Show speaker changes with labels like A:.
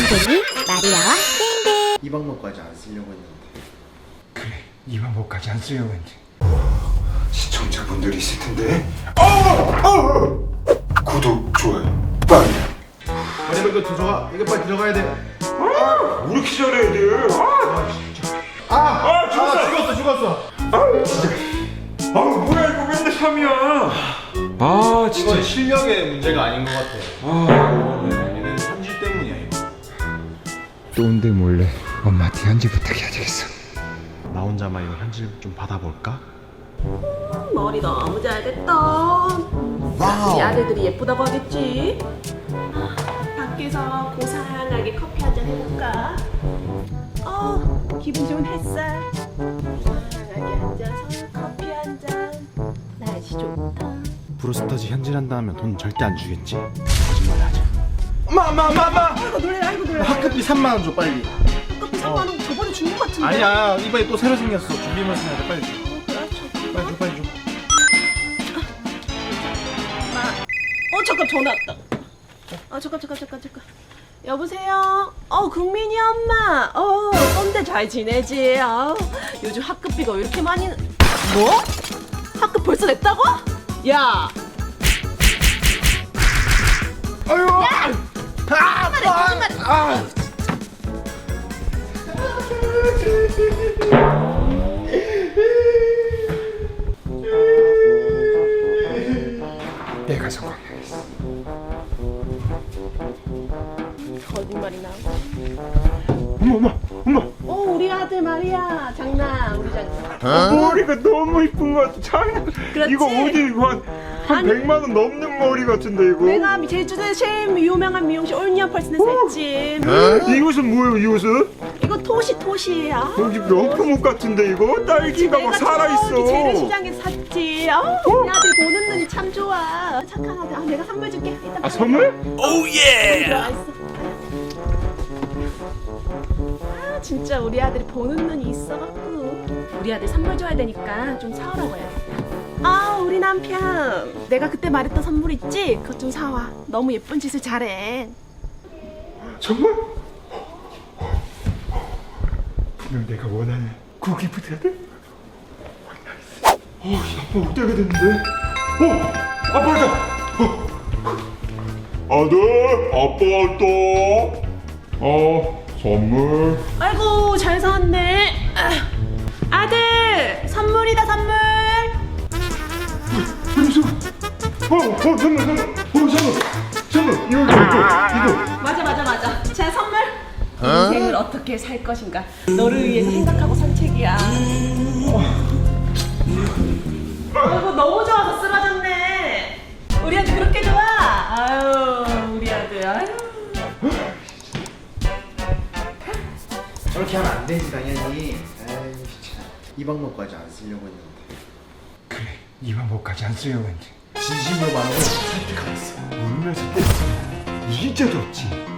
A: 땡땡이 마리아와 땡땡.
B: 이 방법까지 안 쓰려고 했는데.
C: 그래, 이 방법까지 안 쓰려고 했는데. 시청자분들이 있을 텐데. 구독, 좋아요, 빨리.
B: 빨리 이거 들어가. 이거 빨리 들어가야 돼.
C: 왜 이렇게 잘해, 애들?
B: 죽었어.
C: 뭐야, 이거 맨날 3이야. 진짜.
B: 이건 실력의 문제가 아닌 것 같아. 얘는 현질 때문이야 이거.
C: 또 온데 몰래 엄마한테 현지 부탁해야 되겠어.
B: 나 혼자만 이거 현질 좀 받아볼까?
D: 머리 너무 잘 됐다. 우리 아들들이 예쁘다고 하겠지. 밖에서 고상하게 커피 한잔 해볼까? 기분 좋은 햇살. 고상하게 앉아서 커피 한 잔. 날씨 좋다.
B: 브로스터즈 현질한다 하면 돈 절대 안 주겠지? 거짓말 하자. 엄마!
D: 아이고 놀래.
B: 학급비 3만 원 줘 빨리.
D: 커피 3만 원 저번에 준 것 같은데.
B: 아니야 이번에 또 새로 생겼어. 준비물서 해야 돼 빨리 줘.
D: 그래,
B: 빨리 줘.
D: 잠깐 전화 왔다. 잠깐. 여보세요? 국민이 엄마. 꼰대 잘 지내지? 요즘 학급비가 왜 이렇게 많이 뭐? 학급 벌써 냈다고? 야!
C: 내가 성공해야겠어.
D: 거짓말이나.
C: 어머.
D: 우리 아들 말이야. 장난, 우리 장난.
C: 머리가 너무 이쁜 것 같아. 참.
D: 그렇지?
C: 이거 어디 이거 한
D: 아니.
C: 100만 원 넘는 머리 같은데 이거.
D: 내가 제주도에 제일 유명한 미용실 올리언 펄슨에서 했지.
C: 이 옷은 뭐예요, 이 옷은?
D: 이거 토시야.
C: 여기 명품옷 같은데 이거? 딸기가 막 살아있어.
D: 저기 재래시장에서 샀지. 우리 아들 보는 눈이 참 좋아. 착한 아들. 내가 선물 줄게. 이따 봐요.
C: 선물?
D: 들어가 있어. 진짜 우리 아들이 보는 눈이 있어갖고 우리 아들 선물 줘야 되니까 좀 사오라고 해야겠다. 우리 남편 내가 그때 말했던 선물 있지? 그것 좀 사와. 너무 예쁜 짓을 잘해.
C: 정말? 분명 내가 원하는 고기 부대야? 아빠 못 되게 됐는데? 아빠다! 아들, 아빠 왔다. 선물.
D: 아이고 잘 사왔네. 아들 선물이다 선물. 선물.
C: 이거.
D: 맞아. 자 선물. 인생을 어떻게 살 것인가. 너를 위해서 생각하고 산 책이야. 아이고 너무 좋아서 쓰러졌네. 우리 아들 그렇게 좋아. 우리 아들.
B: 저렇게 하면 안 되지 당연히. 진짜. 이 방법까지 안 쓰려고 했는데.
C: 그래, 이 방법까지 안 쓰려고 했는데.
B: 진심으로 말하고 설득하겠어.
C: 울면서 뺐어. 이게 진짜 좋지.